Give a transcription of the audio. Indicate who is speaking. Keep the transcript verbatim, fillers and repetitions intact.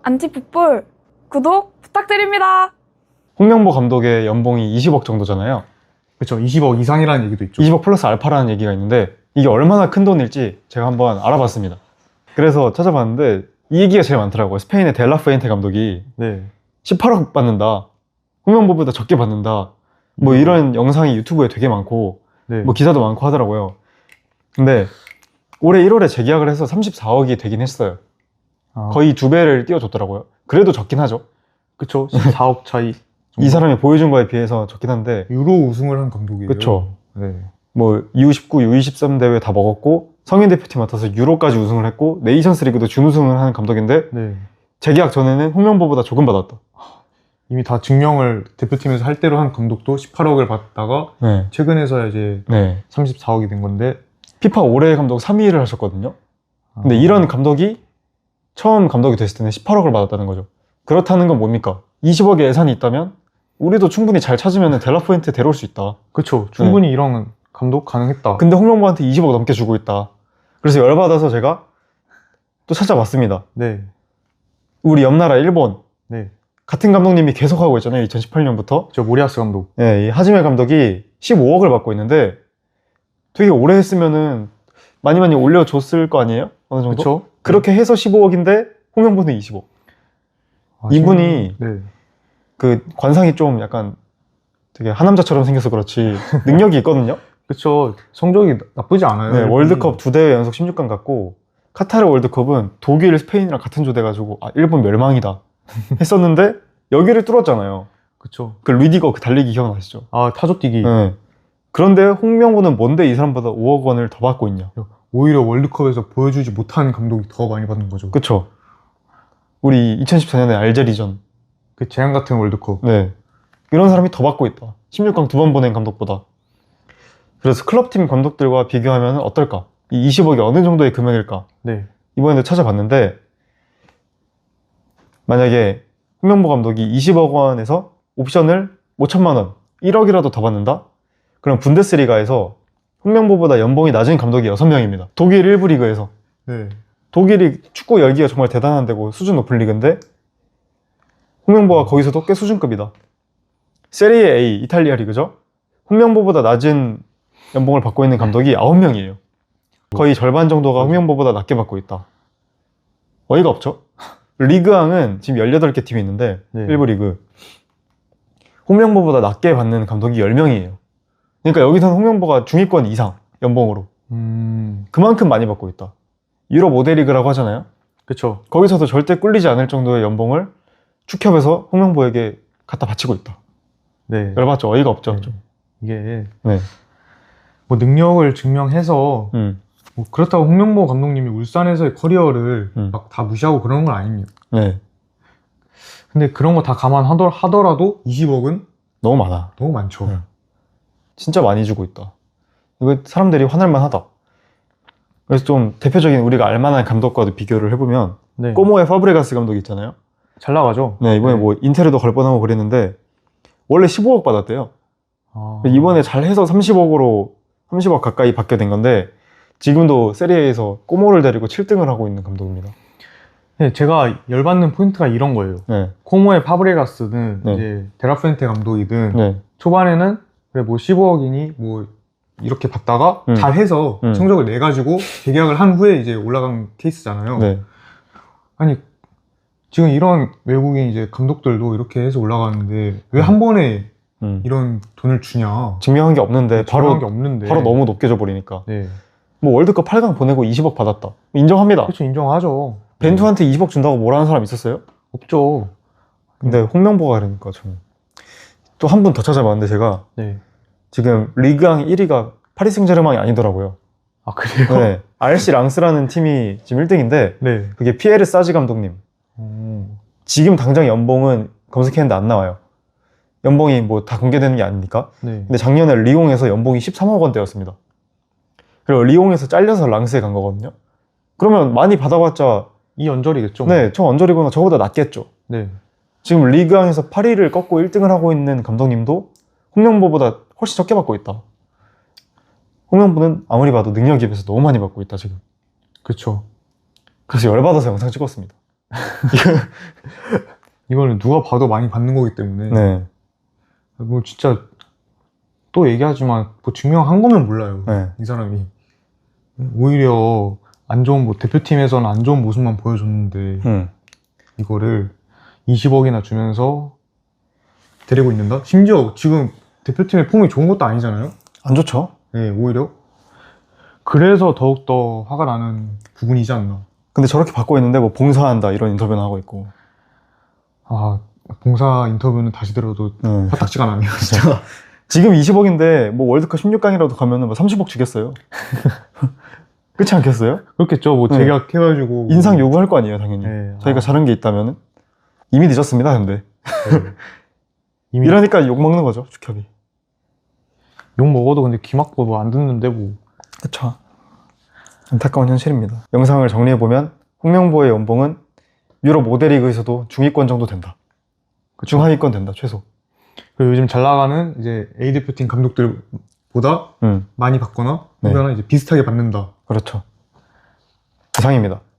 Speaker 1: 안티풋볼 구독 부탁드립니다.
Speaker 2: 홍명보 감독의 연봉이 이십억 정도잖아요.
Speaker 3: 그렇죠. 이십억 이상이라는 얘기도 있죠.
Speaker 2: 이십억 플러스 알파라는 얘기가 있는데 이게 얼마나 큰 돈일지 제가 한번 알아봤습니다. 그래서 찾아봤는데 이 얘기가 제일 많더라고요. 스페인의 델라푸엔테 감독이
Speaker 3: 네.
Speaker 2: 십팔억 받는다, 홍명보보다 적게 받는다, 뭐 이런 영상이 유튜브에 되게 많고
Speaker 3: 네.
Speaker 2: 뭐 기사도 많고 하더라고요. 근데 올해 일월에 재계약을 해서 삼십사억이 되긴 했어요.
Speaker 3: 아,
Speaker 2: 거의 두 배를 띄워줬더라고요. 그래도 적긴 하죠.
Speaker 3: 그쵸. 십사억 차이.
Speaker 2: 이 사람이 보여준 거에 비해서 적긴 한데,
Speaker 3: 유로 우승을 한 감독이에요.
Speaker 2: 그쵸.
Speaker 3: 네.
Speaker 2: 뭐 유 십구, 유 이십삼 대회 다 먹었고 성인 대표팀 맡아서 유로까지 우승을 했고 네이션스 리그도 준우승을 하는 감독인데
Speaker 3: 네.
Speaker 2: 재계약 전에는 홍명보보다 조금 받았다.
Speaker 3: 이미 다 증명을 대표팀에서 할 대로 한 감독도 십팔억을 받다가
Speaker 2: 네.
Speaker 3: 최근에서야 이제
Speaker 2: 네.
Speaker 3: 삼십사억이 된 건데.
Speaker 2: 피파 올해 감독 삼 위를 하셨거든요. 근데
Speaker 3: 아,
Speaker 2: 이런 감독이 처음 감독이 됐을 때는 십팔억을 받았다는 거죠. 그렇다는 건 뭡니까? 이십억의 예산이 있다면 우리도 충분히 잘 찾으면 델라포인트 데려올 수 있다.
Speaker 3: 그쵸. 충분히 이런 감독 가능했다.
Speaker 2: 근데 홍명보한테 이십억 넘게 주고 있다. 그래서 열받아서 제가 또 찾아봤습니다.
Speaker 3: 네.
Speaker 2: 우리 옆나라 일본
Speaker 3: 네.
Speaker 2: 같은 감독님이 계속 하고 있잖아요. 이천십팔 년부터.
Speaker 3: 저 모리아스 감독.
Speaker 2: 네, 이 하지메 감독이 십오억을 받고 있는데 되게 오래 했으면은 많이 많이 올려줬을 거 아니에요? 어느 정도?
Speaker 3: 그쵸.
Speaker 2: 그렇게 해서 십오억인데 홍명보는 이십억.
Speaker 3: 아,
Speaker 2: 이분이
Speaker 3: 네.
Speaker 2: 그 관상이 좀 약간 되게 하남자처럼 생겨서 그렇지 능력이 있거든요.
Speaker 3: 그쵸. 성적이 나쁘지 않아요.
Speaker 2: 네,
Speaker 3: 일본이.
Speaker 2: 월드컵 두 대회 연속 십육 강 갔고 카타르 월드컵은 독일, 스페인이랑 같은 조대 가지고 아 일본 멸망이다 했었는데 여기를 뚫었잖아요.
Speaker 3: 그쵸.
Speaker 2: 그 리디거 그 달리기 기억나시죠?
Speaker 3: 아, 타조 뛰기.
Speaker 2: 네. 그런데 홍명보는 뭔데 이 사람보다 오억 원을 더 받고 있냐?
Speaker 3: 오히려 월드컵에서 보여주지 못한 감독이 더 많이 받는 거죠. 그,
Speaker 2: 그쵸? 우리 이천십사 년에 알제리전.
Speaker 3: 그 재앙 같은 월드컵.
Speaker 2: 네. 이런 사람이 더 받고 있다. 십육 강 두 번 보낸 감독보다. 그래서 클럽팀 감독들과 비교하면 어떨까? 이 이십억이 어느 정도의 금액일까?
Speaker 3: 네.
Speaker 2: 이번에도 찾아봤는데 만약에 홍명보 감독이 이십억 원에서 옵션을 오천만 원, 일억이라도 더 받는다? 그럼 분데스리가에서 홍명보보다 연봉이 낮은 감독이 여섯 명입니다. 독일 일 부 리그에서.
Speaker 3: 네.
Speaker 2: 독일이 축구 열기가 정말 대단한 데고 수준 높은 리그인데 홍명보가 거기서도 꽤 수준급이다. 세리에 A, 이탈리아 리그죠. 홍명보보다 낮은 연봉을 받고 있는 감독이 아홉 명이에요. 거의 절반 정도가 홍명보보다 낮게 받고 있다. 어이가 없죠? 리그왕은 지금 열여덟 개 팀이 있는데
Speaker 3: 네.
Speaker 2: 일 부 리그 홍명보보다 낮게 받는 감독이 열 명이에요. 그러니까 여기서는 홍명보가 중위권 이상 연봉으로
Speaker 3: 음.
Speaker 2: 그만큼 많이 받고 있다. 유럽 오 대 리그라고 하잖아요.
Speaker 3: 그쵸.
Speaker 2: 거기서도 절대 꿀리지 않을 정도의 연봉을 축협에서 홍명보에게 갖다 바치고 있다.
Speaker 3: 네.
Speaker 2: 열받죠? 어이가 없죠?
Speaker 3: 네.
Speaker 2: 좀.
Speaker 3: 이게
Speaker 2: 네.
Speaker 3: 뭐 능력을 증명해서
Speaker 2: 음.
Speaker 3: 뭐 그렇다고 홍명보 감독님이 울산에서의 커리어를
Speaker 2: 음.
Speaker 3: 막 다 무시하고 그러는 건 아닙니다.
Speaker 2: 네.
Speaker 3: 근데 그런 거 다 감안하더라도 이십억은
Speaker 2: 너무 많아.
Speaker 3: 너무 많죠.
Speaker 2: 네. 진짜 많이 주고 있다. 이거 사람들이 화날만 하다. 그래서 좀 대표적인 우리가 알만한 감독과도 비교를 해보면
Speaker 3: 네.
Speaker 2: 꼬모의 파브레가스 감독 있잖아요.
Speaker 3: 잘 나가죠.
Speaker 2: 네, 이번에
Speaker 3: 네.
Speaker 2: 뭐 인테르도 걸 뻔하고 그랬는데 원래 십오억 받았대요.
Speaker 3: 아.
Speaker 2: 이번에 잘해서 삼십억으로 삼십억 가까이 받게 된 건데 지금도 세리에에서 꼬모를 데리고 칠 등을 하고 있는 감독입니다.
Speaker 3: 네, 제가 열받는 포인트가 이런 거예요.
Speaker 2: 네,
Speaker 3: 코모의 파브레가스든
Speaker 2: 네.
Speaker 3: 이제 데라프엔테 감독이든
Speaker 2: 네,
Speaker 3: 초반에는 그래 뭐 십오억이니 뭐 이렇게 받다가
Speaker 2: 음.
Speaker 3: 잘해서
Speaker 2: 음.
Speaker 3: 성적을 내 가지고 재계약을 한 후에 이제 올라간 케이스잖아요.
Speaker 2: 네.
Speaker 3: 아니 지금 이런 외국인 이제 감독들도 이렇게 해서 올라가는데 왜 한 번에
Speaker 2: 음.
Speaker 3: 이런 돈을 주냐?
Speaker 2: 증명한 게 없는데 바로
Speaker 3: 바로 게 없는데
Speaker 2: 바로 너무 높게 줘버리니까.
Speaker 3: 네,
Speaker 2: 뭐 월드컵 팔 강 보내고 이십억 받았다. 인정합니다.
Speaker 3: 그렇죠. 인정하죠.
Speaker 2: 벤투한테 이십억 준다고 뭐라는 사람 있었어요?
Speaker 3: 없죠.
Speaker 2: 근데 홍명보가 그러니까 좀. 또 한 분 더 찾아봤는데 제가
Speaker 3: 네.
Speaker 2: 지금 리그왕 일 위가 파리 생제르맹이 아니더라고요.
Speaker 3: 아 그래요?
Speaker 2: 네. 알씨 랑스라는 팀이 지금 일 등인데
Speaker 3: 네.
Speaker 2: 그게 피에르 사지 감독님.
Speaker 3: 음.
Speaker 2: 지금 당장 연봉은 검색했는데 안 나와요. 연봉이 뭐 다 공개되는 게 아니니까.
Speaker 3: 네.
Speaker 2: 근데 작년에 리옹에서 연봉이 십삼억 원대였습니다. 그리고 리옹에서 잘려서 랑스에 간 거거든요. 그러면 많이 받아봤자
Speaker 3: 이 연절이겠죠.
Speaker 2: 네, 저 언저리거나 저보다 낫겠죠.
Speaker 3: 네.
Speaker 2: 지금 리그왕에서 파리를 꺾고 일 등을 하고 있는 감독님도 홍명보보다 훨씬 적게 받고 있다. 홍명보는 아무리 봐도 능력에 비해서 너무 많이 받고 있다 지금.
Speaker 3: 그렇죠.
Speaker 2: 그래서 열받아서 영상 찍었습니다.
Speaker 3: 이거는 누가 봐도 많이 받는 거기 때문에
Speaker 2: 네.
Speaker 3: 뭐 진짜 또 얘기하지만 뭐 증명한 거면 몰라요.
Speaker 2: 네.
Speaker 3: 이 사람이 오히려 안 좋은 뭐 대표팀에서는 안 좋은 모습만 보여줬는데
Speaker 2: 음.
Speaker 3: 이거를 이십억이나 주면서 데리고 있는다? 심지어 지금 대표팀의 폼이 좋은 것도 아니잖아요?
Speaker 2: 안 좋죠?
Speaker 3: 네, 오히려 그래서 더욱더 화가 나는 부분이지 않나.
Speaker 2: 근데 저렇게 받고 있는데 뭐 봉사한다 이런 인터뷰는 하고 있고.
Speaker 3: 아, 봉사 인터뷰는 다시 들어도
Speaker 2: 네.
Speaker 3: 화딱지가 나네요, 진짜.
Speaker 2: 지금 이십억인데 뭐 월드컵 십육 강이라도 가면은 뭐 삼십억 주겠어요? 그렇지 않겠어요?
Speaker 3: 그렇겠죠. 뭐
Speaker 2: 네.
Speaker 3: 재계약해가지고
Speaker 2: 인상 요구할 거 아니에요, 당연히.
Speaker 3: 네,
Speaker 2: 저희가
Speaker 3: 아.
Speaker 2: 잘한 게 있다면은. 이미 늦었습니다, 근데.
Speaker 3: 네. 이미
Speaker 2: 이러니까 욕 먹는 거죠, 축협이.
Speaker 3: 욕 먹어도 근데 귀 막고 뭐 안 듣는데 뭐.
Speaker 2: 그쵸. 안타까운 현실입니다. 영상을 정리해보면 홍명보의 연봉은 유럽 오 대 리그에서도 중위권 정도 된다. 중하위권 된다, 최소.
Speaker 3: 그리고 요즘 잘 나가는 이제 A 대표팀 감독들보다
Speaker 2: 음,
Speaker 3: 많이 받거나
Speaker 2: 네.
Speaker 3: 혹은 이제 비슷하게 받는다.
Speaker 2: 그렇죠. 이상입니다.